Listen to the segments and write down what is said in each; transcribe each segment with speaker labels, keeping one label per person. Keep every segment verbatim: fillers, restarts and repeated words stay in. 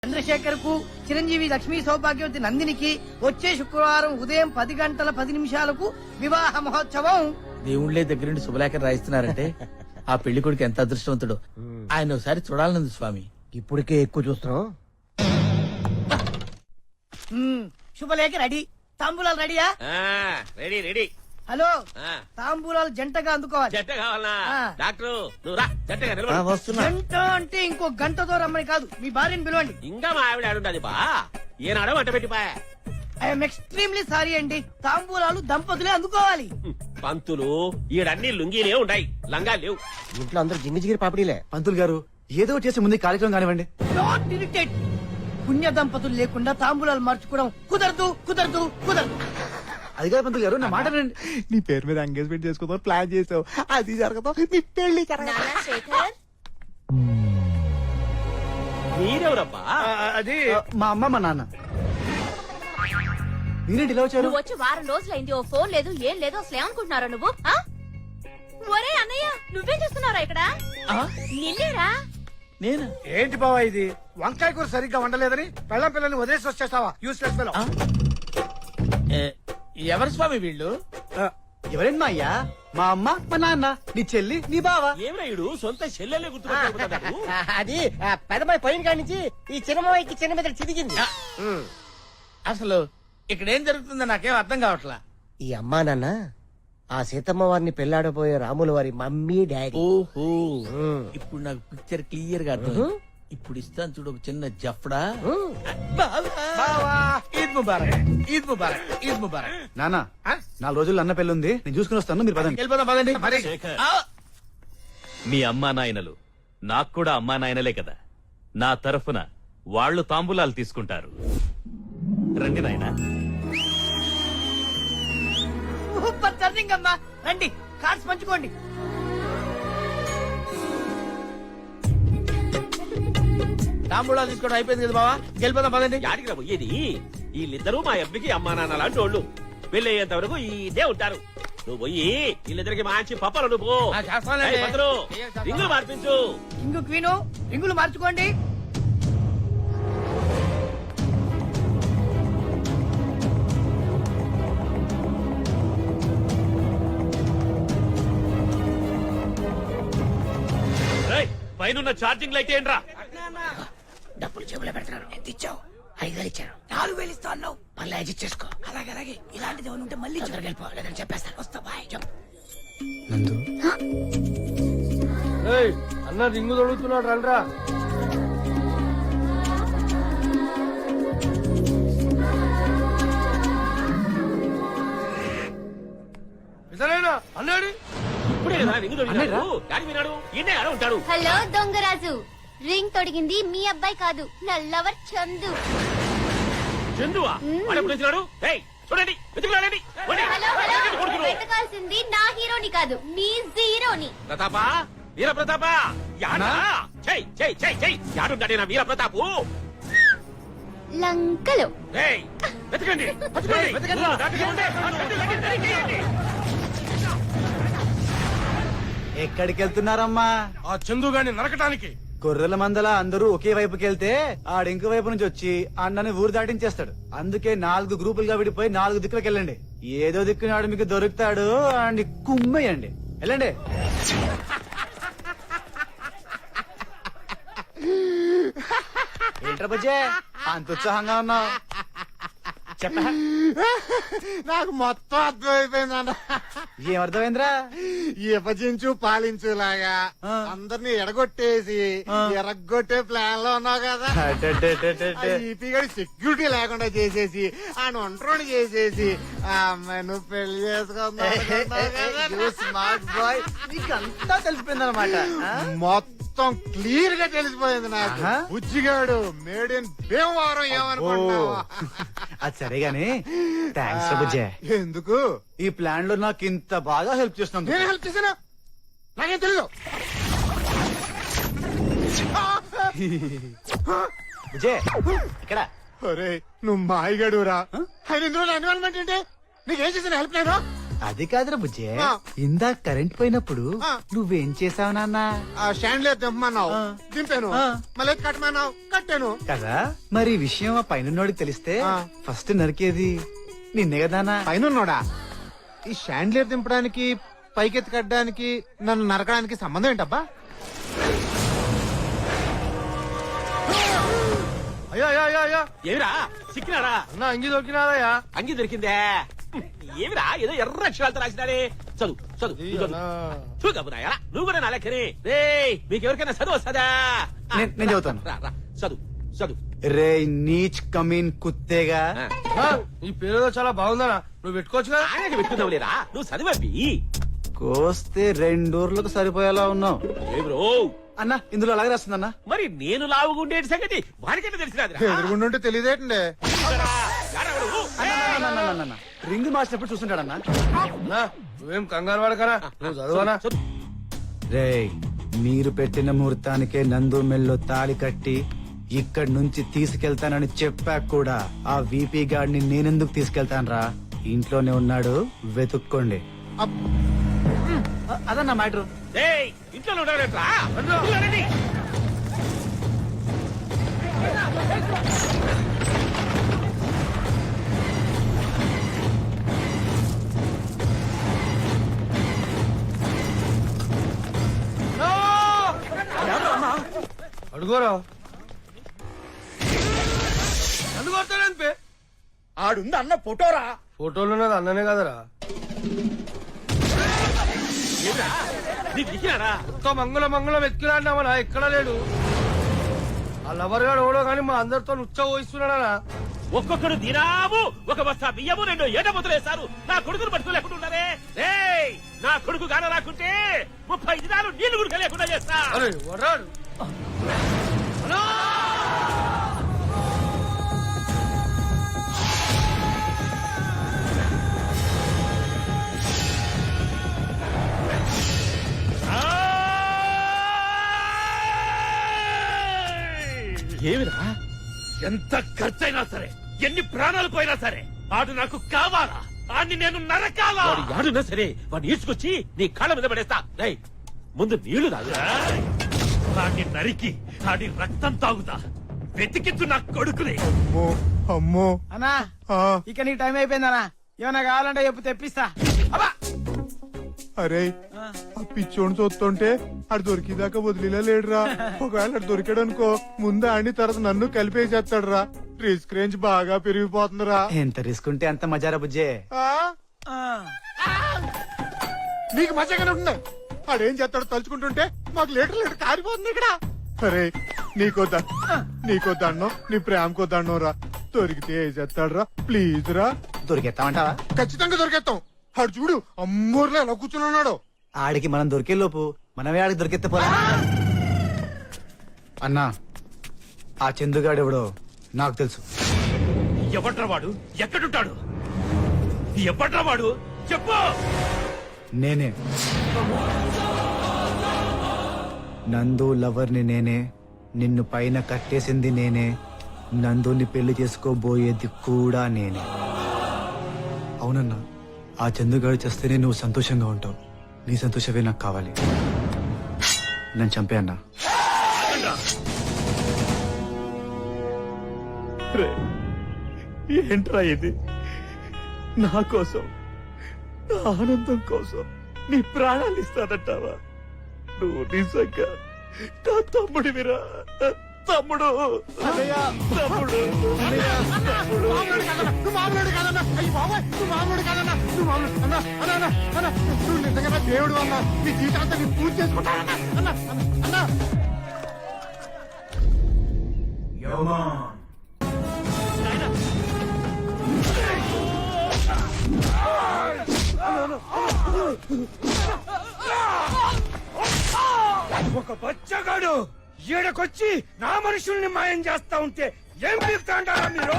Speaker 1: చంద్రశేఖర్ కు చిరంజీవి లక్ష్మీ సౌభాగ్యవతి నందినికి వచ్చే శుక్రవారం ఉదయం పది గంటల పది నిమిషాలకు వివాహ మహోత్సవం.
Speaker 2: దేవుళ్లే దగ్గరుండి శుభలేఖ రాయిస్తున్నారంటే ఆ పెళ్లి కొడుకు ఎంత అదృష్టవంతుడు. ఆయన ఒకసారి చూడాలనుంది స్వామి.
Speaker 3: ఇప్పటికే ఎక్కువ చూస్తున్నాం.
Speaker 1: మ్మ్, శుభలేఖ రెడీ. తాంబూలాలు రెడీయా?
Speaker 4: Ready ready.
Speaker 1: హలో, తాంబూలాలు జంటగా అందుకోవాలి.
Speaker 4: జంట కావాలనా?
Speaker 1: ఆ.
Speaker 4: డాక్టర్ నువ్వు రా, జంటగా నిలబడు.
Speaker 3: వస్తున్నా.
Speaker 1: జంట అంటే ఇంకో గంటతో రమ్మని కాదు, మీ భార్యని పిలవండి.
Speaker 4: ఇంకా మా ఆవిడ ఆడుండది బా. ఏనాడో వంట పెట్టిపోయా.
Speaker 1: ఐఎమ్ ఎక్స్ట్రీమ్లీ సారీ అండి. తాంబూలాలు దంపతులే అందుకోవాలి.
Speaker 4: పంతులు ఈడన్ని లుంగీలే ఉంటాయి, లంగాలు లేవు.
Speaker 3: ఇంట్లో అందరూ జింగి జిగిరి పాపడీలే.
Speaker 5: పంతులు గారు ఏదో చేసే ముందు కార్యక్రమం కానివ్వండి.
Speaker 1: Not irritate. పుణ్య దంపతులు లేకుండా తాంబూలాలు మార్చుకోవడం కుదరదు కుదరదు కుదరదు.
Speaker 5: అది కాదు పంతులు గారు, నా మాట వినండి.
Speaker 3: నీ పేరు మీద ఎంగేజ్మెంట్ చేసుకుందాం ప్లాన్ చేసావు, అది జరగదు. నీ పెళ్లి
Speaker 6: శేఖర్
Speaker 4: మీరెవరబ్బా?
Speaker 5: అది మా అమ్మ మా నాన్న. మీరేంటి ఇలా వచ్చారు?
Speaker 6: నువ్వు వచ్చి వారం రోజులైంది, ఓ ఫోన్ లేదు ఏం లేదు. అసలు ఏమనుకుంటున్నారా నువ్వు? ఆ? ఒరే అన్నయ్య, నువ్వేం చేస్తున్నారా ఇక్కడ? నిన్నేరా?
Speaker 2: నేను
Speaker 7: ఏంటి బావా ఇది? వంకాయ కూర సరిగ్గా వండలేదని పెళ్ళ పిల్లల్ని వదిలేసి వచ్చేస్తావా? Useless fellow.
Speaker 2: ఏ, ఎవరు స్వామి వీళ్ళు?
Speaker 5: ఎవరండి మా అయ్యా? మా అమ్మ మా నాన్న, నీ చెల్లి నీ బావ.
Speaker 4: ఏమరాయుడు సొంత చెల్లెలే గుర్తుపెట్టుకుంటాడు.
Speaker 3: అది పెద్దమ్మాయి పైన కాడి నుంచి ఈ చిన్నమ్మాయికి చిన్న మీద చిదిగింది.
Speaker 2: అసలు ఇక్కడ ఏం జరుగుతుందో నాకేం అర్థం కావట్లా.
Speaker 3: ఈ అమ్మా నాన్న ఆ సీతమ్మ వారిని పెళ్లాడబోయే రాముల వారి మమ్మీ డాడీ.
Speaker 2: ఓహో, ఇప్పుడు నాకు పిక్చర్ క్లియర్ గా అర్థం. ఇప్పుడు ఇస్తాను చూడు ఒక చిన్న జఫ్డా. ఈద్ ముబారక్, ఈద్ ముబారక్, ఈద్ ముబారక్.
Speaker 5: నాన్న, నాలుగు రోజుల్లో అన్న పెళ్లి ఉంది, నేను చూసుకుని వస్తాను. మీరు పదండి.
Speaker 2: వెళ్ళిపోదాం పదండి. ఆ,
Speaker 8: మీ అమ్మా నాయనలు నాకు కూడా అమ్మా నాయనలే కదా. నా తరఫున వాళ్ళు తాంబూలాలు తీసుకుంటారు. రండి నాయనా.
Speaker 1: సూపర్ టర్నింగ్ అమ్మా. రండి, కార్డ్స్ పంచుకోండి.
Speaker 2: తాంబూలాలు తీసుకోవడం అయిపోయింది కదా బావా, వెళ్ళిపోదాం పదండి.
Speaker 4: యాడికి రా పోయేది? వీళ్ళిద్దరూ మా అబ్బికి అమ్మా నాన్న లాంటి వాళ్ళు. పెళ్ళయ్యేంత వరకు ఇదే ఉంటారు. నువ్వు పోయి వీళ్ళిద్దరికి మంచి పప్పలు నువ్వు
Speaker 2: ఆ, చేస్తానులేండి.
Speaker 4: రింగులు మార్పించు.
Speaker 1: ఇంగు క్వీను, రింగులు మార్చుకోండి.
Speaker 8: పైన ఛార్జింగ్ లైట్ ఏంట్రా?
Speaker 1: డబ్బులు జేబులో పెడతారు. ఎంత ఇచ్చావు? ఐదు వేలు ఇచ్చాను. నాలుగు వేలు ఇస్తా అన్నావు. మళ్ళీ అడ్జస్ట్ చేసుకో. అలాగే అలాగే. ఇలాంటిది ఏమైనా ఉంటే మళ్ళీ వెళ్ళిపో, లేదని చెప్పేస్తాను. వస్తా, బాయ్.
Speaker 5: నందు,
Speaker 7: అన్న రింగు తొడుగుతున్నాడు, రండ్రా. నిజమేనా అన్నాడు?
Speaker 4: ఇప్పుడే కదా రింగు దొరికినాడు. యాడికి పోయినాడు? ఈయనే ఆడ ఉంటాడు.
Speaker 6: హలో దొంగరాజు, రింగ్ తొడిగింది మీ అబ్బాయి కాదు, నా లవర్ చందు.
Speaker 4: చందువా? వాడెప్పుడు వచ్చినాడు? ఏయ్, చూడండి, వెతుకులాడండి. పోండి.
Speaker 6: హలో హలో,
Speaker 4: కొడుకులు.
Speaker 6: వెతకాల్సింది నా హీరోని కాదు, మీ జీరోని.
Speaker 4: ప్రతాపా, వీర ప్రతాపా, యాడా? చెయ్ చెయ్ చెయ్ చెయ్, యాడుంటాడే నా వీర ప్రతాపు?
Speaker 6: లంకలో.
Speaker 4: ఏయ్, వెతకండి, వెతకండి, వెతకండి. దాటికి ఉండే.
Speaker 5: ఎక్కడికి వెళ్తున్నారమ్మా?
Speaker 7: ఆ చందు గాని నరకటానికి.
Speaker 5: గొర్రెల మందల అందరూ ఒకే వైపుకి వెళ్తే ఆడింక వైపు నుంచి వచ్చి అన్నని ఊరు దాటించేస్తాడు. అందుకే నాలుగు గ్రూపులుగా విడిపోయి నాలుగు దిక్కులకు వెళ్ళండి. ఏదో దిక్కునాడు మీకు దొరుకుతాడు అండి, కుమ్మేయండి. వెళ్ళండి. ఏంట్రా బుజ్జే, అంత ఉత్సాహంగా ఉన్నావు? చెప్పా.
Speaker 7: నాకు మొత్తం అర్థమైపోయింది అన్న.
Speaker 5: ఏం అర్థమైందిరా?
Speaker 7: విభజించు పాలించులాగా
Speaker 5: ఆ.
Speaker 7: అందరినీ ఎడగొట్టేసి
Speaker 5: ఆ.
Speaker 7: ఎరగొట్టే ప్లాన్ లో ఉన్నావు కదా. ఈపీ గడి సెక్యూరిటీ లేకుండా చేసేసి ఆయన ఒంటరిని చేసేసి ఆ అమ్మాయి నువ్వు పెళ్లి చేసుకున్నావు.
Speaker 5: స్మార్ట్ బాయ్, నీకు అంతా తెలిసిపోయిందన్నమాట.
Speaker 7: మొత్తం క్లియర్ గా తెలిసిపోయింది నాకు.
Speaker 5: ఆహా.
Speaker 7: బుజ్జిగాడు మేడ్ ఇన్ భీమవరం ఏమనుకుంటున్నావు?
Speaker 5: అది సరే గాని థ్యాంక్స్ బుజ్జే.
Speaker 7: ఎందుకు?
Speaker 5: ఈ ప్లాన్ లో నాకు ఇంత బాగా హెల్ప్ చేస్తున్నాను.
Speaker 7: నేను హెల్ప్ చేశాను, నాకేం తెలీదు.
Speaker 5: బుజ్జే ఇక్కడ.
Speaker 7: అరే నువ్వు మాయగాడురా. ఆయన ఇందులో ఇన్వాల్వ్మెంట్ ఏంటి? నీకేం చేసిన హెల్ప్ నేను?
Speaker 5: అది కాదురా బుజ్జే
Speaker 7: ఆ.
Speaker 5: ఇందాక కరెంట్ పోయినప్పుడు
Speaker 7: ఆ.
Speaker 5: నువ్వేం చేసావు నాన్న
Speaker 7: ఆ స్టాండ్లే దింపమన్నావు
Speaker 5: ఆ.
Speaker 7: దింపాను
Speaker 5: ఆ.
Speaker 7: మళ్ళీ కట్టమన్నావు కట్టాను
Speaker 5: కదా మరి ఈ విషయం ఆ పైన తెలిస్తే
Speaker 7: ఆ.
Speaker 5: ఫస్ట్ నరికేది నిన్నే కదానా
Speaker 7: పైన ఈ షాండ్లియర్ దింపడానికి పైకెత్తి కట్టడానికి నన్ను నరకడానికి సంబంధం ఏంటబ్బా
Speaker 5: అయ్యో అయ్యో అయ్యో అయ్యో
Speaker 4: ఏమిరా సిక్కినారా
Speaker 5: అన్న అంగి దొరికినాదయ్యా
Speaker 4: అంగి దొరికిందే ఏమిరా ఏదో ఎర్ర అక్షరాలతో రాసినారే చదువు చదువు నువ్వు చదువు. చూద్దాం నువ్వు కూడా నా లెక్కనే రే మీకు ఎవరికైనా చదువు వస్తుందా ఆ,
Speaker 5: నేను- నేను
Speaker 4: రా,
Speaker 5: చదువుతాను.
Speaker 4: రా, రా, చదువు చదువు
Speaker 5: రే నీచ్ కమీన్ కుత్తేగా
Speaker 4: ఆ,
Speaker 5: ఈ పేరు చాలా బాగుందనా నువ్వు పెట్టుకోవచ్చుగా
Speaker 4: ఆయనకి పెట్టుకుందాం లేరా నువ్వు చదివవి
Speaker 5: కోస్తే రెండూర్లకు సరిపోయేలా ఉన్నావు
Speaker 4: ఏ బ్రో
Speaker 5: అన్న ఇందులో అలాగే రాస్తుందన్న
Speaker 4: మరి నేను లావుగుండేటి సంగతి వాడికైతే తెలిసినది
Speaker 7: ఎదురుగుండుంటే తెలియదేటండి
Speaker 5: రింగ్ మార్చినప్పుడు చూస్తుంటాడన్నా
Speaker 2: నువ్వేం కంగారు పడకరా నువ్వు చదవనా
Speaker 5: రే మీరు పెట్టిన ముహూర్తానికే నందు మెల్లో తాళి కట్టి ఇక్కడి నుంచి తీసుకెళ్తానని చెప్పాక కూడా ఆ వీపీ గాడిని నేనెందుకు తీసుకెళ్తానరా ఇంట్లోనే ఉన్నాడు వెతుక్కోండి అదన్నా మ్యాటర్
Speaker 4: ఏయ్, ఇంట్లో ఉండవులేట్రా? ఇంట్లో రండి.
Speaker 2: అడుగోరా అందుకొస్తాడంపే
Speaker 1: ఆడుంది అన్న ఫోటోరా.
Speaker 2: ఫోటోలు ఉన్నది అన్ననే కదరా
Speaker 4: ఏమిరా? నీకు దిగినారా?
Speaker 2: ఒక్క మంగళ మంగళం ఎక్కిలాడినామనా ఎక్కడ లేడు ఆ లవర్ గాడు ఓడో గాని మా అందరితో ఉచ్చ పోయిస్తున్నాడా
Speaker 4: ఒక్కొక్కడు దినాము ఒక బస్తా బియ్యము రెండు ఏట ముద్దలేస్తారు నా కొడుకును పట్టుకోలేకుండా ఉన్నారే రేయ్, నా కొడుకు గాన రాకుంటే ముప్పై దినాలు నీళ్లు గుడిక లేకుండా చేస్తా
Speaker 2: అరే వడ్రాడు
Speaker 4: ఏమిరా? ఎంత ఖర్చైనా సరే ఎన్ని ప్రాణాలు పోయినా సరే ఆడు నాకు కావాలా ఆడిని నేను నరకాలా ఆడునా సరే వాడిని ఈడ్చుకొచ్చి నీ కాళ్ళ మీద పడేస్తా రేయ్, ముందు నీళ్లు తాగు వాడిని నరికి ఆడి రక్తం తాగుతా వెతికిచ్చు నా కొడుకుని
Speaker 7: అమ్మో అమ్మో
Speaker 5: అన్నా
Speaker 7: ఆ,
Speaker 5: ఇక నీ టైం అయిపోయిందన్నా ఏమన్నా కావాలంటే చెప్పు తెప్పిస్తా
Speaker 7: అరే ఆ పిచ్చోని చూస్తుంటే ఆడు దొరికిదాకా వదిలేలా లేడురా ఒకవేళ ఆడు దొరికాడు అనుకో ముందు ఆడిని తర్వాత నన్ను కలిపేసేస్తాడు రా రిస్క్ రేంజ్ బాగా పెరిగిపోతుందిరా
Speaker 5: ఎంత రిస్క్ ఉంటే అంత మజారా బుజ్జే
Speaker 7: ఆ? నీకు మజాగానే ఉంటుంది ఆడేం చేస్తాడో తలుచుకుంటుంటే మాకు లీటర్ లీటర్ కారిపోతుంది ఇక్కడ అరే నీకో ద నీకో దండం నీ ప్రేమకో దండం రా దొరికితే ఏ చేస్తాడు రా ప్లీజ్ రా
Speaker 5: దొరికేస్తామంటావా
Speaker 7: ఖచ్చితంగా దొరికేస్తాం ఆడు చూడు అమ్మూర్లో ఎలా కూర్చుని ఉన్నాడు
Speaker 5: ఆడికి మనం దొరికే లోపు మనమే ఆడికి దొరికెత్తే పోలా అన్నా ఆ చందుగాడు ఎవడో నాకు తెలుసు
Speaker 4: ఎవడ్రా వాడు ఎక్కడుంటాడు ఎవడ్రా వాడు చెప్పు
Speaker 5: నేనే నందు లవర్ని నేనే నిన్ను పైన కట్టేసింది నేనే నందుని పెళ్లి చేసుకోబోయేది కూడా నేనే అవునన్నా ఆ చందుగాడు చేస్తేనే నువ్వు సంతోషంగా ఉంటావు నీ సంతోషమే నాకు కావాలి నన్ను చంపే అన్నా
Speaker 4: ఏంట్రా ఇది నా కోసం నా ఆనందం కోసం నీ ప్రాణాలు ఇస్తానంటావా నువ్వు నిజంగా నా తమ్ముడివిరా తమ్ముడు తమ్ముడు
Speaker 7: మామూలుడు కాదన్నా, నువ్వు మామూలుడు కాదన్నా. అయ్య బాబోయ్, నువ్వు మామూలుడు కాదన్నా. నువ్వు మామూలు- అన్నా, అన్నా, అన్నా, అన్నా, నువ్వు నిజంగా నా దేవుడు అన్నా నీ జీవితాంతా నీ పూజ చేసుకుంటానన్నా అన్నా అన్నా, అన్నా
Speaker 2: ఒక బచ్చగాడు ఈడకొచ్చి నా మనుషుల్ని మాయం చేస్తా ఉంటే ఏం పీకుతా అంటారా మీరు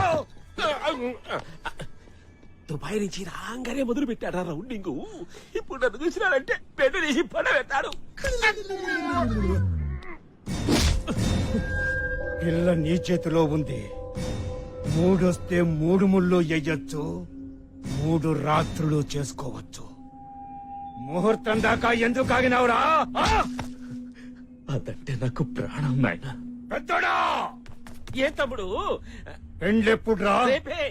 Speaker 4: దుబాయ్ నుంచి రాగానే మొదలు పెట్టాడు రౌండింగ్ ఇప్పుడు నన్ను చూసినాడంటే పెద్ద తీసి పడబెట్టాడు
Speaker 2: పిల్ల నీ చేతిలో ఉంది మూడొస్తే మూడు ముళ్ళు ఎయ్యొచ్చు మూడు రాత్రులు చేసుకోవచ్చు
Speaker 4: ముహూర్తం దాకా ఎందుకు ఆగినావురా అదంటే నాకు ప్రాణం నాయన పెద్దోడా ఏం తమ్ముడు
Speaker 7: పెండ్లెప్పుడురా
Speaker 4: రేపే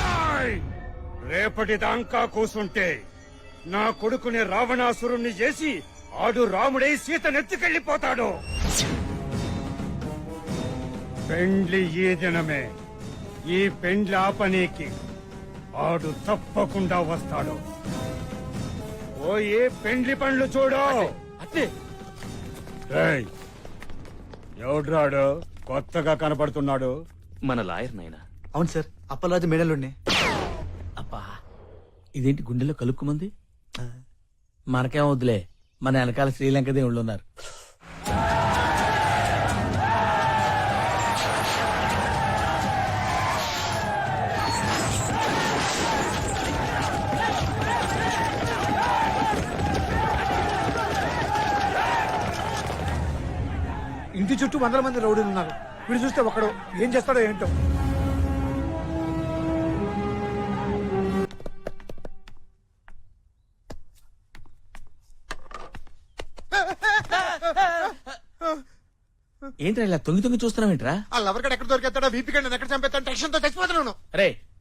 Speaker 7: రేపటి దాకా కూసుంటే నా కొడుకుని రావణాసురుణ్ణి చేసి ఆడు రాముడై సీత నెత్తుకెళ్ళిపోతాడు పెండ్లి ఈ దినమే ఈ పెండ్లి ఆపనీకి ఆడు తప్పకుండా వస్తాడు ఓయే పెండ్లి పండ్లు చూడు
Speaker 4: అట్లే
Speaker 7: రేయ్, ఎవడ్రాడు కొత్తగా కనపడుతున్నాడు
Speaker 8: మన లాయర్ నాయనా
Speaker 5: అవును సార్ అప్పలరాజు మేడలుండి
Speaker 2: అబ్బా ఇదేంటి గుండెలో కలుక్కుమంది మనకేం వద్దులే మన వెనకాల శ్రీలంక దేవుళ్ళు ఉన్నారు.
Speaker 7: ఇంటి చుట్టూ వందల మంది రౌడీలు ఉన్నారు వీడు చూస్తే ఒకడు ఏం చేస్తాడో ఏంటో
Speaker 2: ఏంట్రా ఇలా తొంగి తొంగి చూస్తున్నావేంట్రా
Speaker 7: ఆ లవర్గడ్ ఎక్కడ దొరికేస్తాడో వీపీ గండి ఎక్కడ చంపేస్తాను టెన్షన్ తో చచ్చిపోతున్నాను
Speaker 2: రే